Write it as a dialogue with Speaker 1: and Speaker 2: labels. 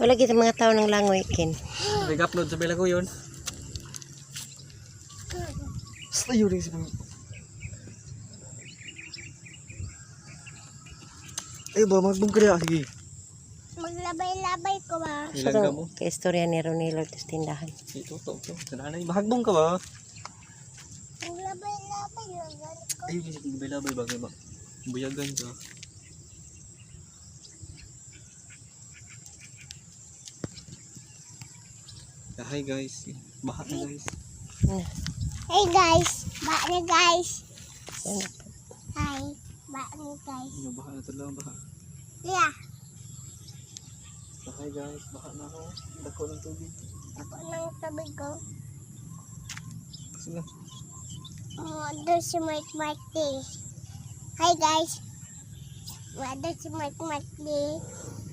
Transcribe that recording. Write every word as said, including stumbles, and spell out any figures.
Speaker 1: Wala kita mga tao ng langoy, Ken.
Speaker 2: Nag-upload sa pila ko yun. Sayo rin si mga. Ay ba, magbong kaya. Sige.
Speaker 3: Maglabay-labay ko ba?
Speaker 1: So,
Speaker 2: Ilan ka mo?
Speaker 1: kay istorya ni Ronilo sa tindahan.
Speaker 2: Ito, ito, ito. Sananay, mahagbong ka ba?
Speaker 3: Maglabay-labay lang ko.
Speaker 2: Ayun, sige, labay-labay bagay ba? Buyagan ka. Yeah, hi guys. Baha na guys.
Speaker 1: Ano?
Speaker 3: Hey guys, ba na guys.
Speaker 1: Ano?
Speaker 3: Hi, ba na guys.
Speaker 2: Ano, baha na talaga, baha.
Speaker 3: Yeah,
Speaker 2: So, hi guys, baha na ako. Dako ng tubig.
Speaker 3: ako nang tabi ko.
Speaker 2: Sige.
Speaker 3: Oh, doon si Mark Marty. Hi guys. Doon si Mark Marty.